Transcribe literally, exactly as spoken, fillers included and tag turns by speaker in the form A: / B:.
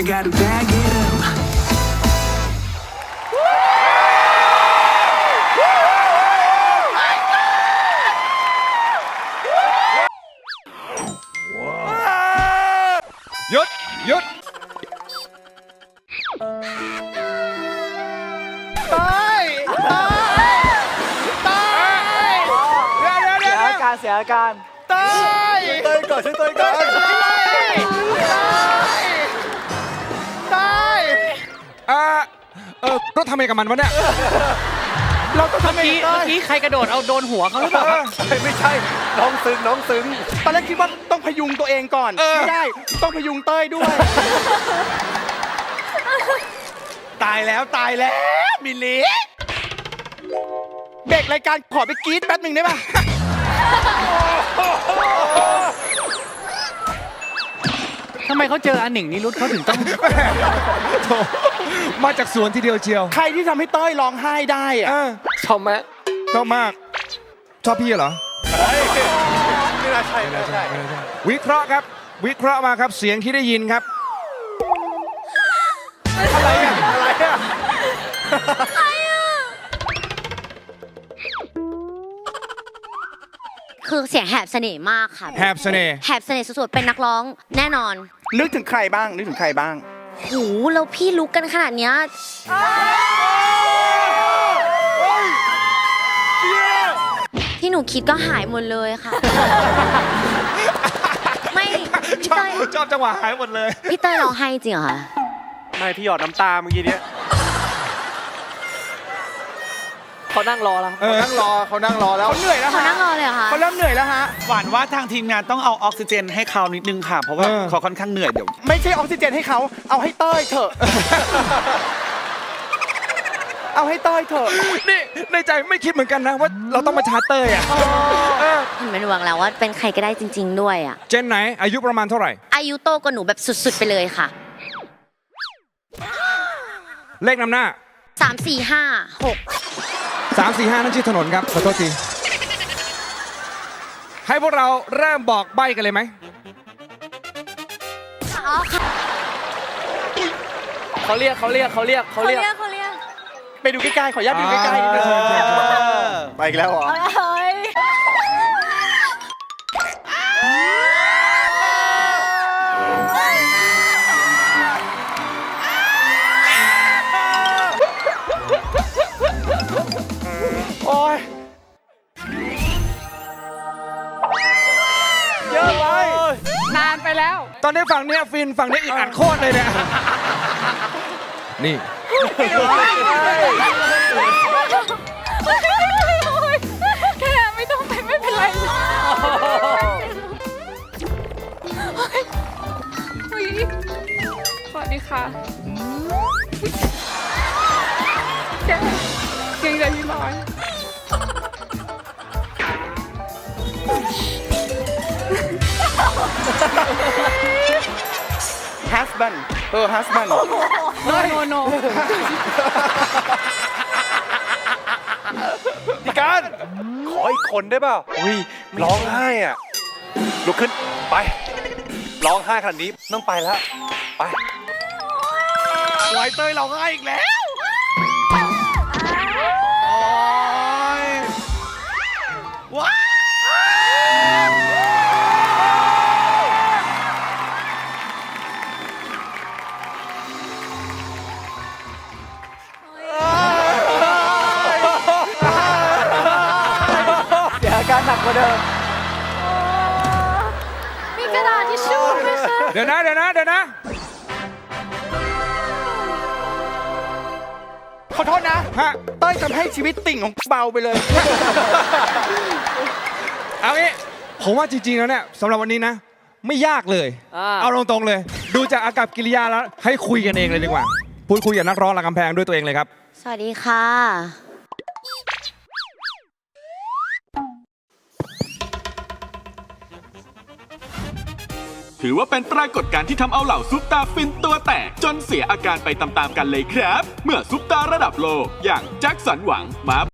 A: I gotta bag it up.
B: หยุดหยุด
C: ตายตายตายเดี๋ยวเดี๋ยวเดี๋ยว
D: อาการเสียอาการ
C: ตาย
D: เต้ยก่อนช่วยเต้ยก่อน
C: ตาย
B: อ่าเออเราทำไงกับมันวะเนี่ย
C: เราต้องทำไง
E: เมื่อกี้
C: ตา
E: เมื่อย กี้ใครกระโดดเอาโดนหัวเขาหรือเปล่าครับ
D: ไม่ใช่น้องซึ้งน้องซึ้ง
C: ตอนแรกคิดว่าต้องพยุงตัวเองก่อนไม่ได้ต้องพยุงเต้ยด้วย ตายแล้วตายแล้วมิลลิเบรกรายการขอไปกรี๊ดแป๊บหนึ่งได้ป่ะ
E: ทำไมเขาเจออันหนึ่งนี่รุดเขาถึงต้อง
B: โถ่มาจากสวนทีเดียวเชียว
C: ใครที่ทำให้เต้ยร้องไห้ได้อะ
B: อ่า
D: ชอบไหม
B: ชอบมาก ชอบพี่เหรอ
D: ไม่น่าใช่ไม่น่าใช่
B: วิเคราะห์ครับ วิเคราะห์มาครับเสียงที่ได้ยินครับ
D: อะไรอะอะไรอะ
F: คือเสียงแหบเสน่ห์มากค่ะ
B: แหบเสน่ห์
F: แหบเสน่ห์สุดๆเป็นนักร้องแน่นอน
C: นึกถึงใครบ้างนึกถึงใครบ้าง
F: โหแล้วพี่ลุกกันขนาดเนี้ยที่หนูคิดก็หายหมดเลยค่ะ ไม่พี่
B: ชอบ
F: เต้ย
B: ชอบจังหวะหายหมดเลย
F: พี่เต้ยร้องไห้จริงเหรอคะ
D: ไม่พี่หยอดน้ำตาเมื่อกี้เนี้ยเขานั่งรอแล้ว
B: เออ
D: เขานั่งรอเขานั่งรอแล้ว
C: เขาเหนื่อยแล้ว
F: เขา
C: ฮะ
F: นั่งรอเลยเหรอคะ
C: เขาเริ่มเหนื่อยแล้วฮะ
G: หวานว่าทางทีมงานต้องเอาออกซิเจนให้เขานิดนึงค่ะ เพราะว่า
B: เออ
G: เขาค่อนข้างเหนื่อยเดี๋ยว
C: ไม่ใช่ออกซิเจนให้เขาเอาให้เต้ยเถอะ เอาให้เต้ยเถอะ
B: นี่ในใจไม่คิดเหมือนกันนะว่าเราต้องมาชาร์จเตอร์อ่ะเออ
F: เห็นเป็นหวังแล้วว่าเป็นใครก็ได้จริง ๆ ด้วยอ่ะ
B: เจนไหนอายุประมาณเท่าไหร่
F: อายุโตกว่าหนูแบบสุดๆไปเลยค่ะ
B: เลขนำหน้า
F: สามสี่ห้าหก
B: สามสี่ห้านั่นชื่อถนนครับ ขอโทษที ให้พวกเราเริ่มบอกใบ้กันเลยไหม
F: อ๋อค่ะ
D: เขาเรียกเขาเรียกเขาเรียกเขา
F: เขา
D: เรียก
F: เรียกเขาเรียก
C: ไปดูใกล้ๆขออนุญาตดูใกล้ๆนิดนึง
D: ไปอีกแล้วเหรอ
F: เฮ้ย
C: โอ้ย
D: เยอะไป
E: นานไปแล้ว
B: ตอนนี้ฝั่งเนี้ยฟินฝั่งนี้อีกอัดโคตรเลยเนี่ย นี่
H: แค่ไม่ต้องไปไม่เป็นไรเฮ้ยสวัสดีค่ะแกเกรงใจพี่น้อย
C: ฮัสบันเออฮัสบัน
E: โนโนโน
D: พี่การขออีกคนได้เปล่าอุ้ยร้องไห้อ่ะลุกขึ้นไปร้องไห้ขนาดนี้ต้องไปแล้วไป
C: ไวเต้ยเราง่ายอีกแล้ว โอ้ยว้าว
D: เสียอาการหนักกว่าเดิม
H: มีกระดาษทิชชู่ไหมคะ
B: เดี๋ยวนะ เดี๋ยวนะ เดี๋ยวนะ
C: ขอโทษนะ
B: ฮะ
C: เต้ยทำให้ชีวิตติ่งของเบาไปเลย
B: เอางี้ ผมว่าจริงๆแล้วเนี่ยสำหรับวันนี้นะ ไม่ยากเลย
D: อ่า
B: เอาตรงๆเลย ดูจากอากับกิริยาแล้ว ให้คุยกันเองเลยดีกว่า พูดคุยกับนักร้องหลังกำแพงด้วยตัวเองเลยครับ
F: สวัสดีค่ะ
I: ถือว่าเป็นปรากฏการณ์ที่ทำเอาเหล่าซุปตาฟินตัวแตกจนเสียอาการไปตามๆกันเลยครับ เมื่อซุปตาระดับโลกอย่างแจ็คสันหวังมา